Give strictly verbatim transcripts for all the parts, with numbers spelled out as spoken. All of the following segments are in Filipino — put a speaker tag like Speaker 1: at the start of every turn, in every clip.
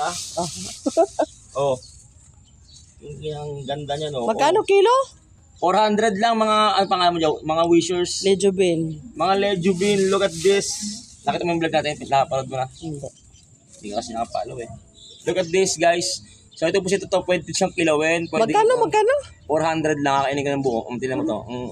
Speaker 1: Ha? Oh. Yung, yung ganda niya, no?
Speaker 2: Magkano
Speaker 1: oh.
Speaker 2: kilo?
Speaker 1: four hundred lang mga, ano pangalan mo dyan? Mga wishers.
Speaker 2: Lejubin.
Speaker 1: Mga Lejubin, look at this. Nakita mo yung vlog natin, nakapanood mo na.
Speaker 2: Hindi.
Speaker 1: Hindi ka kasi nakapalo eh. Look at this guys. So ito po siya ito, pwede siyang kilawin. Pwede
Speaker 2: Magkano,
Speaker 1: ito,
Speaker 2: magkano?
Speaker 1: four hundred lang, kakainin ka ng buo. Um, tinan mo to. Mm.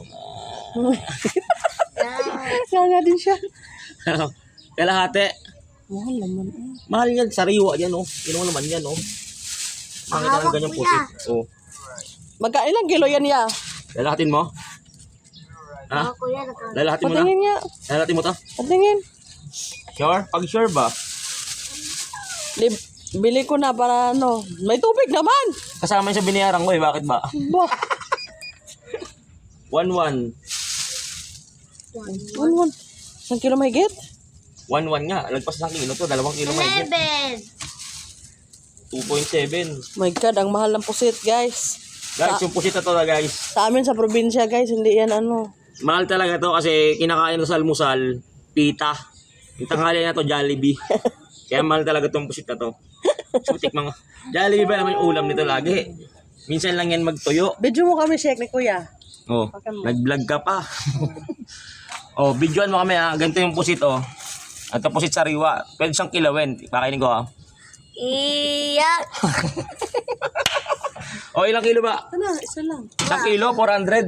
Speaker 2: Kaya nga din siya.
Speaker 1: Kalahati.
Speaker 2: Mahal naman. eh.
Speaker 1: Mahal yan, sariwa yan oh. Kinuha naman yan oh. Makita ng ganyang pusit. Oh.
Speaker 2: Magkano ilang kilo yan ya?
Speaker 1: Lalahatin mo? Ha? Lalahatin mo na?
Speaker 2: Patingin nga.
Speaker 1: Lalahatin mo to?
Speaker 2: Patingin.
Speaker 1: Sure? Pag sure ba?
Speaker 2: Lib- Bili ko na para ano. May tubig naman.
Speaker 1: Kasama yun sa binayaran ko eh, bakit ba?
Speaker 2: Ba?
Speaker 1: one one.
Speaker 2: One, one. Isang kilo may get?
Speaker 1: one one nga. Lagpas ng kilo to. Dalawang kilo may
Speaker 3: Eleven.
Speaker 1: two point seven.
Speaker 2: My God, ang mahal ng pusit, guys.
Speaker 1: Guys, yung pusit na to na guys.
Speaker 2: Sa amin sa probinsya, guys, hindi yan ano.
Speaker 1: Mahal talaga to kasi kinakain ko sa almusal, pita. Yung tanghali na to, Jollibee. Kaya mahal talaga tong pusit na to. So, tikman nga. Jollibee ba naman yung ulam nito lagi? Minsan lang yan magtuyo.
Speaker 2: Video mo kami, Shek, ni Kuya.
Speaker 1: Oh, nag-vlog ka pa. Oh, videoan mo kami ha. Ganito yung pusit oh. Ito pusit sariwa. Pwede siyang kilawin. Pakainin ko ha.
Speaker 3: Iyak.
Speaker 1: Oh, ilang kilo ba?
Speaker 2: Ano, isa lang.
Speaker 1: Isang kilo, four hundred.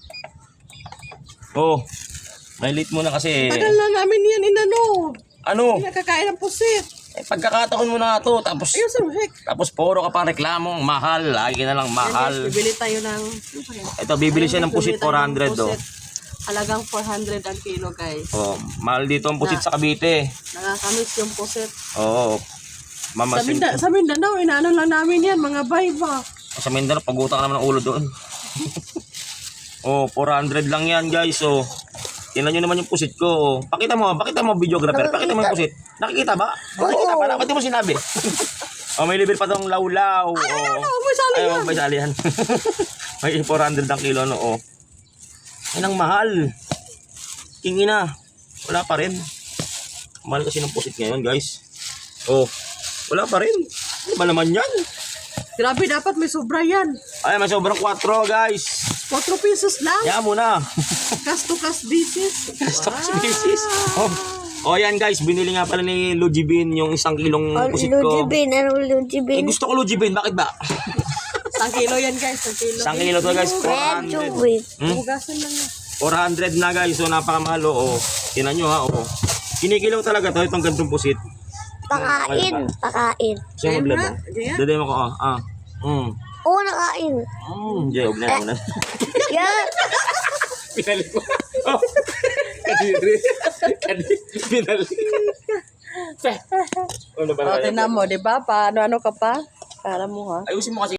Speaker 1: Oh, may late muna kasi.
Speaker 2: Tagal na namin yan inano.
Speaker 1: Ano?
Speaker 2: Hindi nakakain ng pusit.
Speaker 1: Eh, pagkakataon mo na to, tapos
Speaker 2: Ayun, sir, Shek.
Speaker 1: tapos puro ka pa reklamong mahal, lagi na lang mahal.
Speaker 2: Guys, bibili tayo ng...
Speaker 1: Ito, bibili siya ng pusit four hundred oh.
Speaker 2: Halagang four hundred ang kilo, guys.
Speaker 1: Oh, mahal dito ang pusit sa Cavite.
Speaker 2: Nakakamiss yung pusit.
Speaker 1: Oo. Oh,
Speaker 2: Sa,
Speaker 1: mamasin.
Speaker 2: Minda, sa Mindanao, inaano lang namin yan, mga bayba.
Speaker 1: Sa Mindoro, pagutang ka naman ng ulo doon. Oh, four hundred lang yan, guys. Oh. Tingnan nyo naman yung pusit ko. Oh. Pakita mo, pakita mo videographer. Pakita mo yung pusit. Nakikita ba? Nakikita pa. Ba't di mo sinabi? Oh, may libre pa tong lawlaw. Oh.
Speaker 2: Ano, may sali
Speaker 1: Ay,
Speaker 2: yan.
Speaker 1: may sali yan. May four hundred ang kilo, no? Oh. Yan ang mahal. Kingi na. Wala pa rin. Mahal kasi ng pusit ngayon, guys. Oh, wala pa rin. Ano ba naman yan?
Speaker 2: Grabe, dapat may sobra yan.
Speaker 1: Ay, may sobrang four, guys.
Speaker 2: four pesos lang.
Speaker 1: Yan muna.
Speaker 2: Kas to kas basis.
Speaker 1: Stock species. Oh. Oh, yan guys, binili nga pala ni Lujibin yung isang kilong pusit ko.
Speaker 3: Lujibin, ano
Speaker 1: Eh,
Speaker 3: Lujibin?
Speaker 1: gusto ko Lujibin, bakit ba?
Speaker 2: Isang kilo yan, guys. Isang kilo.
Speaker 1: Isang kilo to guys, four hundred.
Speaker 3: Lujibin.
Speaker 1: Hmm?
Speaker 2: Hugasan lang yan.
Speaker 1: four hundred na guys, so napakamahal oh. Tinan nyo ha, oh. Kinikilaw talaga to, itong gantong pusit.
Speaker 3: Pakain, pakain.
Speaker 1: Siya
Speaker 2: Ayun
Speaker 1: maglaba.
Speaker 2: nga, ganyan.
Speaker 1: Daday mo ko, ah. ah. Mm.
Speaker 3: Oo, nakain.
Speaker 1: Mm, jay, huwag na, huwag na.
Speaker 3: Yan.
Speaker 1: Pinalik mo. Oh. Kadiri. Kadiri. Pinalik. Ano ba
Speaker 2: O,
Speaker 1: na
Speaker 2: tinan mo, di ba? Paano-ano ka pa? Para mo, ha?
Speaker 1: Ayusin mo kasi.